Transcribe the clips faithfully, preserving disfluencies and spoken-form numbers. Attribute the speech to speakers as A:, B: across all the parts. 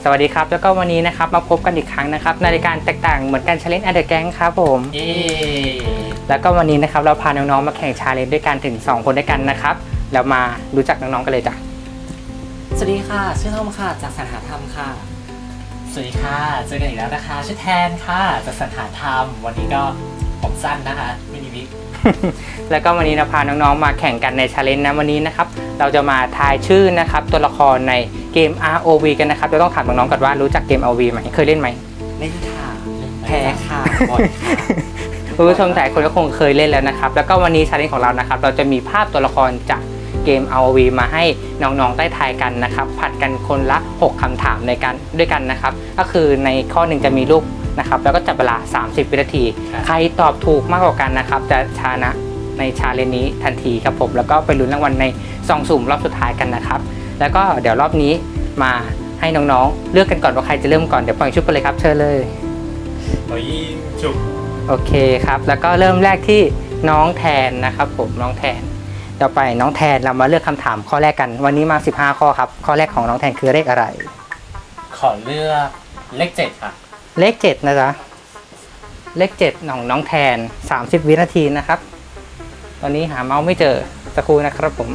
A: วัสดีครับแล้วก็วันนี้นะครับมาพบกันอีกครั้งนะครับในรายการแตกต่างเหมือนกัน Challenge and the Gang ครับผม
B: เย้
A: แล้วก็วันนี้นะครับเราพาน้องๆมาแข่ง Challenge ด้วยกันถึงสองคนด้วยกันนะครับแล้วมารู้จักน้องๆกันเลยจ้ะ
B: สวัสดีค่ะชื่อทอมค่ะจากสรรหาธรรมค่ะสวัสดีค่ะเจอกันอีกแล้วนะคะชื่อแทนค่ะจากสรรหาธรรมวันนี้ก็ผมสั้นนะคะไม่มีวิก
A: แล้วก็วันนี้เราพาน้องๆมาแข่งกันใน Challenge นะวันนี้นะครับเราจะมาทายชื่อนะครับตัวละครในเกม อาร์ โอ วี กันนะครับเราต้องถามน้องๆก่อนว่ารู้จักเกม อาร์ โอ วี ไหมเคยเล่นไหม
B: เล่นค่ะแพ้ค่ะบ่อยค่ะ
A: คุณผู้ชมหลายคนก็คงเคยเล่นแล้วนะครับแล้วก็วันนี้ Challenge ของเรานะครับเราจะมีภาพตัวละครจากเกม อาร์ โอ วี มาให้น้องๆได้ทายกันนะครับผัดกันคนละหกคำถามในการด้วยกันนะครับก็คือในข้อหนึ่งจะมีรูปนะครับแล้วก็จับเวลาสามสิบวินาทีใครตอบถูกมากกว่ากันนะครับจะชนะในชาเลนจ์นี้ทันทีครับผมแล้วก็ไปลุ้นรางวัลในซองสุ่มรอบสุดท้ายกันนะครับแล้วก็เดี๋ยวรอบนี้มาให้น้องๆเลือกกันก่อนว่าใครจะเริ่มก่อนเดี๋ยวปล่อยชุบไปเลยครับเชิญเลย
B: ปล่อยยิงชุบ
A: โอเคครับแล้วก็เริ่มแรกที่น้องแทนนะครับผมน้องแทนต่อไปน้องแทนเรามาเลือกคำถามข้อแรกกันวันนี้มาสิบห้าข้อครับข้อแรกของน้องแทนคือเลขอะไร
B: ขอเลือกเลขเจ็ดค่ะ
A: เลขเจ็ดนะจ๊ะเลขเจ็ดของน้องแทนสามสิบวินาทีนะครับตอนนี้หาเมาส์ไม่เจอสักครู่นะครับผม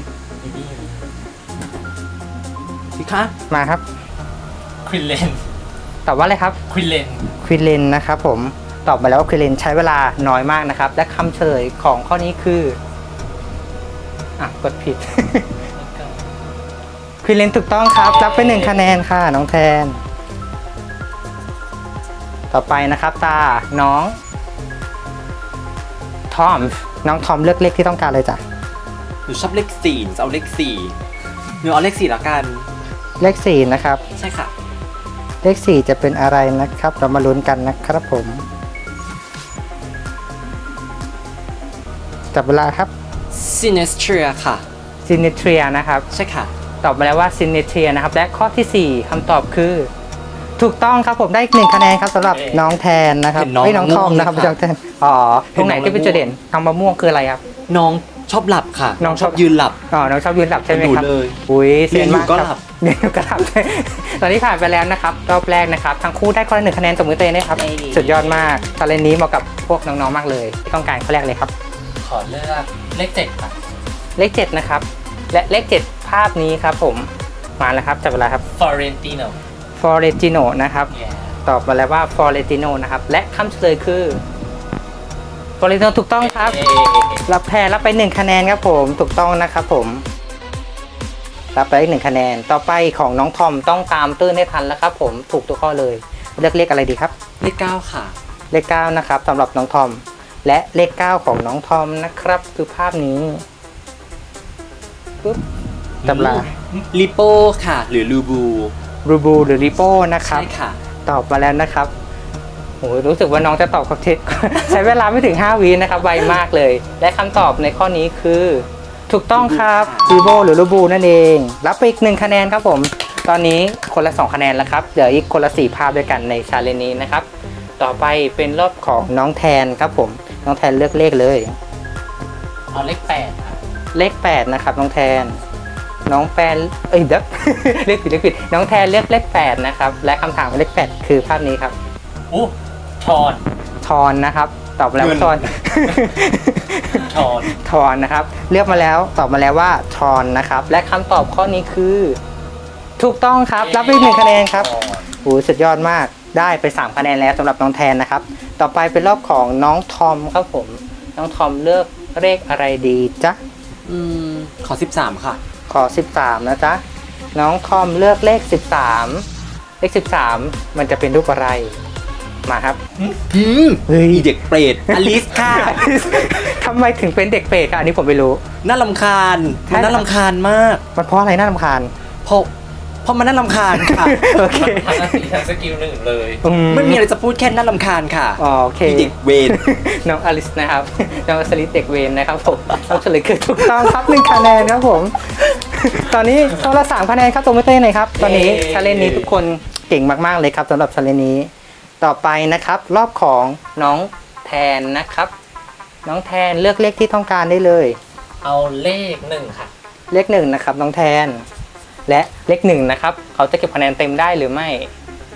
B: พี่คะ
A: มาครับ
B: ควินเลน
A: ตอบว่าอะไรครับ
B: ควินเลน
A: ควินเลนนะครับผมตอบมาแล้วว่าควินเลนใช้เวลาน้อยมากนะครับและคำเฉลยของข้อนี้คืออ่ะกดผิด ควินเลนถูกต้องครับรับไปหนึ่งคะแนนค่ะน้องแทนต่อไปนะครับตาน้องทอมน้องทอมเลือกเลขที่ต้องการเลยจ้ะ
B: หนูชอบเลขสี่จะเอาเลขสี่หนูเอาเลขสี่ละกัน
A: เลขสี่นะครับ
B: ใช่ค่ะ
A: เลขสี่จะเป็นอะไรนะครับเรามาลุ้นกันนะครับผมจับเวลาครับ
B: Sinestria ค่ะ
A: Sinestria นะครับ
B: ใช่ค่ะ
A: ตอบมาแล้วว่า Sinestria นะครับและข้อที่สี่คำตอบคือถูกต้องครับผมได้อีกหนึ่งคะแนนครับสำหรับน้องแทนนะครับไม่น้องทอมนะครับน้องแทนอ๋อตรงไหนที่เป็นจุดเด่นทางมะม่วงคืออะไรครับ
B: น้องชอบหลับค่ะน้องชอบยืนหลับ
A: อ๋อน้องชอบยืนหลับใช่ไหมครับอุ้ยเสียนมากครับเรียนอยู่ก็หลับตอนนี้ผ่านไปแล้วนะครับรอบแรกนะครับทั้งคู่ได้คนละหนึ่งคะแนนตบมือเต้นนะครับสุดยอดมากตอนเล่นนี้เหมาะกับพวกน้องๆมากเลยต้องการข้อแรกเลยครับ
B: ขอเลือกเลขเจ็ดค่ะ
A: เลขเจ็ดนะครับและเลขเจ็ดภาพนี้ครับผมมาแล้วครับจับเวลาครับ
B: Florentino
A: Florentino นะครับตอบมาแล้วว่า Florentino นะครับและคำเฉลยคือ Florentino ถูกต้องครับรับแพ้รับไปหนึ่งคะแนนครับผมถูกต้องนะครับผมรับไปอีกหนึ่งคะแนนต่อไปของน้องทอมต้องตามตื้นให้ทันแล้วครับผมถูกตัวข้อเลยเลือกเลขอะไรดีครับ
B: เลขเก้าค่ะ
A: เลขเก้านะครับสำหรับน้องทอมและเลขเก้าของน้องทอมนะครับคือภาพนี้ปุ๊บจับลา
B: ลิโปค่ะหรือลูบู
A: รูบูหรือริโป้นะครับ
B: ใช่ค่ะ
A: ตอบมาแล้วนะครับโอ้รู้สึกว่าน้องจะตอบครบทีใช้เวลาไม่ถึงห้าวินะครับไวมากเลยและคำตอบในข้อนี้คือถูกต้องครับริโบหรือรูบูนั่นเองรับไปอีกหนึ่งคะแนนครับผมตอนนี้คนละสองคะแนนแล้วครับเหลืออีกคนละสี่ภาพด้วยกันในชาเลนจ์นี้นะครับต่อไปเป็นรอบของน้องแทนครับผมน้องแทนเลือกเลขเลย
B: เอาเลขแปดครับ
A: เลขแปดนะครับน้องแทนน้องแปนเอ้ยเด็กเลขผิดเลขผิดน้องแทนเลือกเลขแปดนะครับและคำถามเลขแปดคือภาพนี้ครับ
B: โอ้ทอน
A: ทอนนะครับตอบมาแล้วทอน
B: ทอน
A: ทอนนะครับเลือกมาแล้วตอบมาแล้วว่าทอนนะครับและคำตอบข้อนี้คือถูกต้องครับรับไปหนึ่งคะแนนครับโอ้สุดยอดมากได้ไปสามคะแนนแล้วสำหรับน้องแทนนะครับต่อไปเป็นรอบของน้องทอมครับผมน้องทอมเลือกเลขอะไรดีจ๊ะ
B: อืมขอสิบสามค่ะ
A: ขอสิบสามนะจ๊ะน้องทอมเลือกเลขสิบสามเลขสิบสามมันจะเป็นรูปอะไรมาครับ
B: อืมเฮ้ยเด็กเปรตอลิสค่ะ
A: ทำไมถึงเป็นเด็กเปรตค่ะอันนี้ผมไม่รู้
B: น่ารำคาญมันน่ารำคาญมาก
A: มันเพราะอะไรน่ารำคาญ
B: เพราะเพราะมันน่ารำคาญค่ะ
A: โอเค
B: ทั้งสกิลทั้งสกิลหนึ่งเลยไม่มีอะไรจะพูดแค่น่ารำคาญค่ะ
A: โอเค
B: เด็กเวร
A: น้องอลิสนะครับน้องอลิสเด็กเวรนะครับผมเราเฉลยคือถูกต้องครับหนึ่งคะแนนครับผมตอนนี้คนละสามคะแนนครับตัวไม่เต้นเลยครับตอนนี้ชาเลนจ์นี้ทุกคนเก่งมากๆเลยครับสำหรับชาเลนจ์นี้ต่อไปนะครับรอบของน้องแทนนะครับน้องแทนเลือกเลขที่ต้องการได้เลย
B: เอาเลขหนึ่งค่ะ
A: เลขหนึ่งนะครับน้องแทนและเลขหนึ่งนะครับเขาจะเก็บคะแนนเต็มได้หรือไม่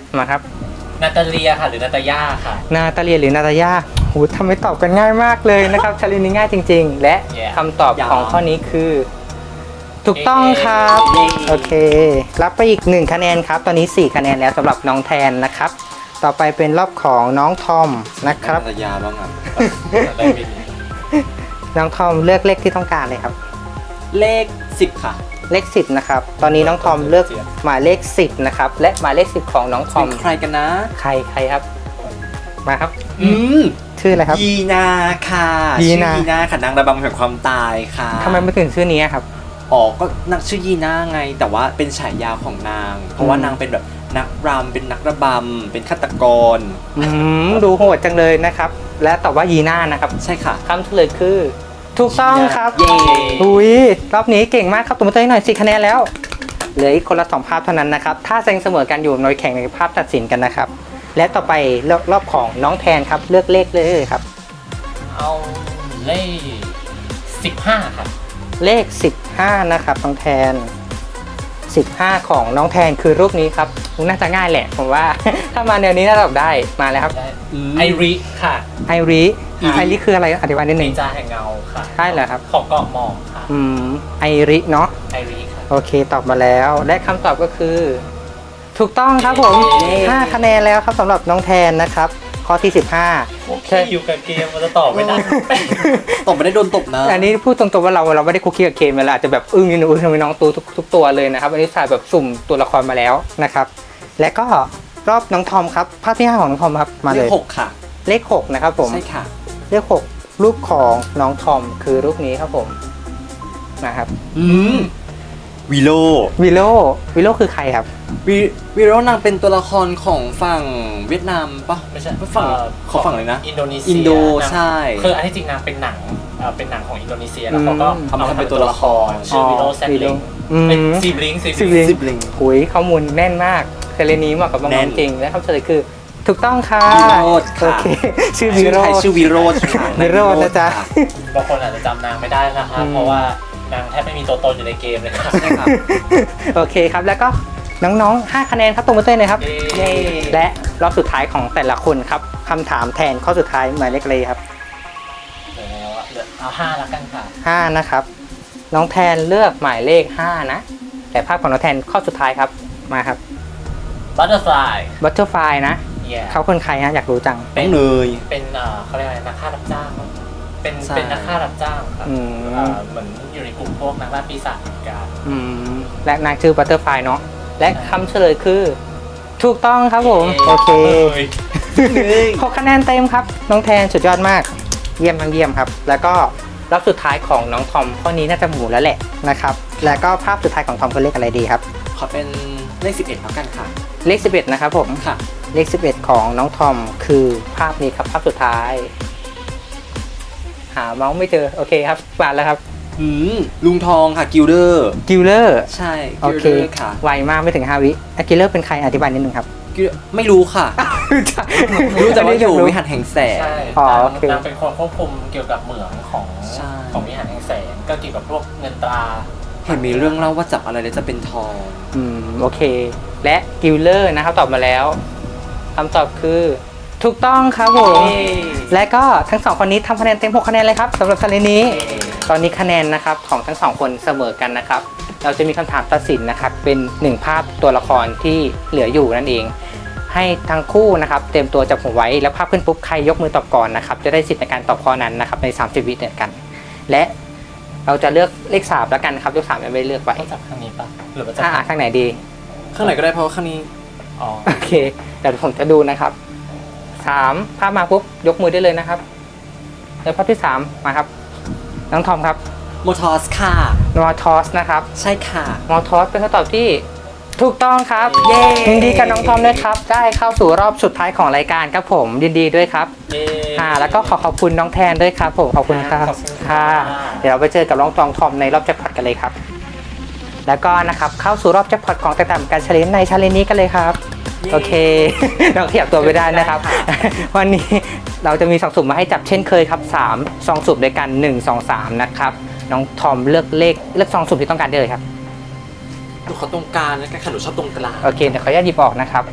A: มาครับ
B: นาตาเลียค่ะหรือนาตาย่าค่ะ
A: นาตาเลียหรือนาตาย่าโหทำไมตอบกันง่ายมากเลยนะครับ ชาเลนจ์นี้ง่ายจริง ๆ และ
B: Yeah
A: คำตอบของข้อนี้คือ ถูกต้องครับ
B: เย้
A: โอเค รับไปอีกหนึ่งคะแนนครับ ตอนนี้สี่คะแนนแล้วสำหรับน้องแทนนะครับ ต่อไปเป็นรอบของน้องทอมนะครับ
C: นาตยาบ้างอ่ะ
B: ได้ไม่ดี
A: น้องทอมเลือกเลขที่ต้องการเลยครับ
C: เลขสิบค่ะ
A: เลขสิบนะครับ ตอนนี้น้องทอมเลือกหมายเลขสิบนะครับ และหมายเลขสิบของน้องทอ
C: เป็
A: ม
C: นใครกันนะ
A: ใครใครครับ มาครับ
C: อืม
A: ชื่ออะไรครับ
C: ยีนาค่ะ
A: ยี
C: ชื่อ
A: นา
C: ยีนาค่ะนางระบำแห่งความตายค่ะ
A: ทำไมไม่ถึงชื่อนี้ครับ
C: อ๋อก็นางชื่อยีนาไง แต่ว่าเป็นฉายาของนาง เพราะว่า
A: อืม
C: นางเป็นแบบนักรำเป็นนักระบำเป็นฆาตกร
A: อืมดูโหดจังเลยนะครับ และตอบว่ายีน่านะครับ
C: ใช่ค่ะ
A: คำเฉลยคือ ถูกต้องครับ
C: เย้
A: อุ้ยรอบนี้เก่งมากครับตัวมือตัวหน่อยสี่คะแนนแล้วเหลืออีกคนละสองภาพเท่านั้นนะครับ ถ้าเซ็งเสมอกันอยู่หน่วยแข่งในภาพตัดสินกันนะครับ และต่อไปรอบรอบของน้องแทนครับเลือกเลขเลยครับ
B: เอาเลขสิบห้าค่ะ
A: เลขสิบห้านะครับน้องแทนสิบห้าของน้องแทนคือรูปนี้ครับน่าจะง่ายแหละผมว่า ถ้ามาแนวนี้น่าจะตอบได้มาเลยครับ
B: ได้
C: อืม
B: ไอริค่ะ
A: ไอริ
C: อืม
A: ไอริคืออะไรอธิบายนิดห
B: นิ
A: นึ่ง
B: นจาแห่งเงาค่ะ
A: ใช่เหรอครับ
B: ของเกาะหมอกค่ะ
A: อืมไอริเนาะ
B: ไอริค่ะ
A: โอเคตอบมาแล้ว และคำตอบก็คือ ถูกต้องครับผม
B: เย้
A: ห้าคะแนนแล้วครับสำหรับน้องแทนนะครับ ข้อที่สิบห้า
B: โอเคอยู่กับเกมมันจะตอบไม่ได้
C: ตบไม่ได้โดนตบนะ
A: อันนี้พูดตรงๆว่าเราเราไม่ได้คุกคีกับเคมเวลาอาจจะแบบอึ้งนิดนึงอึ้งทำไมน้องตูทุกทุกตัวเลยนะครับอันนี้สายแบบสุ่มตัวละครมาแล้วนะครับ และก็รอบน้องทอมครับภาพที่ห้าของน้องทอมครับมา
C: เล
A: เล
C: ข
A: ย
C: หกค่ะ
A: เลขหกนะครับผม
C: ใช่ค่ะ
A: เลขหกรูปของน้องทอมคือรูปนี้ครับผมนะครับ
C: อืมวิโล
A: วิโลวิโลคือใครครับ
C: วิวิโรนางเป็นตัวละครของฝั่งเวียดนามปะ
B: ไม่ใช่
C: ฝั่ง
B: เอ่อ
C: ของฝั่งอะไรนะ
B: อินโดนีเซีย
C: อินโด
B: นะ
C: ใช่
B: คืออันที่จริงนางเป็นหนังเอ่อเป็นหนังของอินโดนีเซียแล้วเขาก็
A: อืม
B: เอามาทำเป็นตัวละครชื่อวิโรแซดลิง
A: อืม
B: เป็นซีบลิงซีบ
A: ซีบ
B: ลิ
A: ลิ
B: ง
A: ง
C: ซิบลิง
A: หุยข้อมูลแน่นมากเทเลนี้เหมาะกับน้
C: แน่
A: อง
C: น
A: ๆจริงและคำเฉลยคือถูกต้องค่ะ
C: วิโรจน์ค่ะ
A: โอเคชื่อวิ
C: ชื่อ
A: โร
C: ไทย
A: จน์
C: ชื่อวิโรจน์ค่ะ
A: วิโรจน์นะจ๊ะ
C: ค่
B: บางคนอาจจะจำนางไม่ได้นะคะ
A: อืม
B: เพราะว่านางแทบไม่มีตัวตนอยู่ในเกมเลยค่ะ
C: ใช่ค่ะ
A: โอเคครับแล้วก็น้องๆห้าคะแนนครับตรงมาเต้นเลยครับ
B: เย้
A: และรอบสุดท้ายของแต่ละคนครับคำถามแทนข้อสุดท้ายหมายเลขอะไรครับ
B: เหลือแล้วอะเหลือเอาห้าแล้วกันค่ะ
A: ห้านะครับน้องแทนเลือกหมายเลขห้านะแต่ภาพของน้องแทนข้อสุดท้ายครับมาครับ
B: บัตเตอร์ฟลาย
A: บัตเตอร์ไฟนะ
B: เย่
A: เขาคนใครฮะอยากรู้จัง
C: น้องเนย
B: เป็นเอ่อเขาเรียกอะไรนักฆ่ารับจ้างมั้งเป็น
C: ใช่
B: เป็นนักฆ่ารับจ้างครับ
A: อืม
B: เอ่อเหมือนอยู่ในกลุ่มพวกนักล่าปีศาจเหมือนกัน
A: อืมและนางชื่อบัตเตอร์ไฟเนาะและคำเฉลยคือ ถูกต้องครับผมโอเค หกคะแนนเต็มครับ น้องแทนสุดยอดมาก เยี่ยมมากเยี่ยมครับ แล้วก็รอบสุดท้ายของน้องทอมข้อนี้น่าจะหมูแล้วแหละนะครับ แล้วก็ภาพสุดท้ายของทอมคือเลขอะไรดีครับ
C: ขอเป็นเลขสิบเอ็ดแล้วกันค่ะ
A: เลขสิบเอ็ดนะครับผม
C: ค่ะ
A: เลขสิบเอ็ดของน้องทอมคือภาพนี้ครับภาพสุดท้าย หาเมาส์ไม่เจอโอเคครับมาแล้วครับ
C: อืมลุงทองค่ะกิลเดอร์
A: กิลเลอร์
C: ใช่
A: โอ
C: กิล
A: เค
C: เดอร์ค่ะ
A: ไวมากไม่ถึงห้าวิกิลเลอร์เป็นใครอธิบายนิดนึงครับ
C: Gilder ไม่รู้ค่ะ รู้แต่ว่าอยู่วิหารแห่งแสง
B: ใช่
A: อ๋อน
B: าง
A: โอเค
B: นางเป็นคนควบคุมเกี่ยวกับเหมืองของ
C: ใช่
B: ของวิหารแห่งแสงก็เกี่ยวกับพวกเงินตรา
C: เห็นมีเรื่องเล่าว่าจับอะไรแล้วจะเป็นทอง
A: อืมโอเค และกิลเลอร์นะครับตอบมาแล้วคำตอบคือถูกต้องครับผม และก็ทั้งสองคนนี้ทำคะแนนเต็มหกคะแนนเลยครับสำหรับชาเลนจ์นี้ ตอนนี้คะแนนนะครับของทั้งสองคนเสมอกันนะครับ เราจะมีคำถามตัดสินนะครับ เป็นหนึ่งภาพตัวละครที่เหลืออยู่นั่นเอง ให้ทั้งคู่นะครับเตรียมตัวจับหัวไว้แล้วภาพขึ้นปุ๊บใครยกมือตอบก่อนนะครับจะได้สิทธิ์ในการตอบข้อนั้นนะครับในสามสิบวิเหมือนกัน และเราจะเลือกเลขสามแล้วกันครับเลขสามยังไม่ได้เลือกไว้
B: ต้องจับข้างนี้ปะหรือว่าจับ
A: อ่าข้างไหนดี
C: ข้างไหนก็ได้เพราะว่าข้างนี้
B: อ๋อ
A: โอเคเดี๋ยวผมจะดูนะครับสามภาพมาปุ๊บยกมือได้เลยนะครับแล้วภาพที่สามมาครับน้องทอมครับ
C: โมทอสค่ะ
A: มอทอสนะครับ
C: ใช่ค่ะ
A: มอทอสเป็นคำตอบที่ถูกต้องครับ เย้ยินดีกับน้องทอมด้วยครับ ได้เข้าสู่รอบสุดท้ายของรายการครับผมยินดีด้วยครับ
B: เย้
A: อ่าแล้วก็ขอขอบคุณน้องแทนด้วยครับผมขอบคุณครับ
B: ขอบคุณ
A: ค่ะ
B: ค่ะ
A: เดี๋ยวเราไปเจอกับน้องตองทอมในรอบแจ็คพอตกันเลยครับ แล้วก็นะครับเข้าสู่รอบแจ็คพอตของแต่ต่างการเฉลยในชาเลนจ์นี้กันเลยครับ โอเค เราขยับตัวไปได้นะครับ วันนี้เราจะมีซองสุ่มมาให้จับเช่นเคยครับสามซองสุ่มด้วยกันหนึ่ง สอง สามนะครับน้องทอมเลือกเลขเลือกซองสุ่มที่ต้องการได้เลยครับ
C: หนูขอตรงกลางแล้วกันค่ะหนูชอบตรงกลาง
A: โอเคเดี๋ยวขออนุญาตหยิบออกนะครับ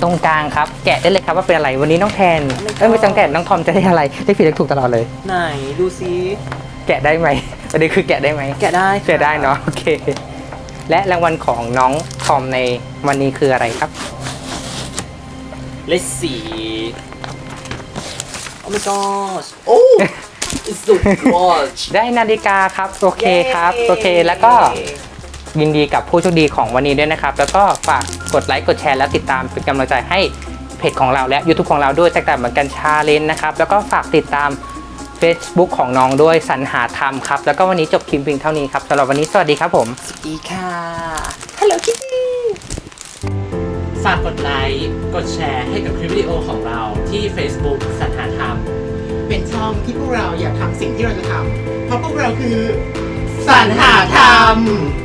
A: ตรงกลางครับ แกะได้เลยครับว่าเป็นอะไรวันนี้น้องแทนเอ้ยไม่ต้องแกะน้องทอมจะได้อะไรได้ผิดได้ถูกตลอดเลย
C: ไหนดูซิ
A: แกะได้ไหมประเด็นคือแกะได้ไหม
C: แกะได้ค่ะ
A: แกะได้เนาะโอเค และรางวัลของน้องทอมในวันนี้คืออะไรครับ
C: Let's see Oh my gosh Oh it's so watch
A: ได้นาฬิกาครับโอเคครับโอเคแล้วก็ยินดีกับผู้โชคดีของวันนี้ด้วยนะครับ แล้วก็ฝากกดไลค์กดแชร์แล้วติดตามเป็นกำลังใจให้เพจของเราและ YouTube ของเราด้วยแตกต่างเหมือนกันชาเลนจ์นะครับแล้วก็ฝากติดตาม Facebook ของน้องด้วยสรรหาธรรมครับแล้วก็วันนี้จบคลิปเพียงเท่านี้ครับสำหรับวันนี้สวัสดีครับผม
C: สวัสดีค่ะ Hello Kitty
B: ฝากกดไลค์กดแชร์ให้กับคลิปวิดีโอของเราที่ Facebook สรรหาธรรม
D: เป็นช่องที่พวกเราอยากทำสิ่งที่เราจะทำ เพราะพวกเราคือสรรหาธรรม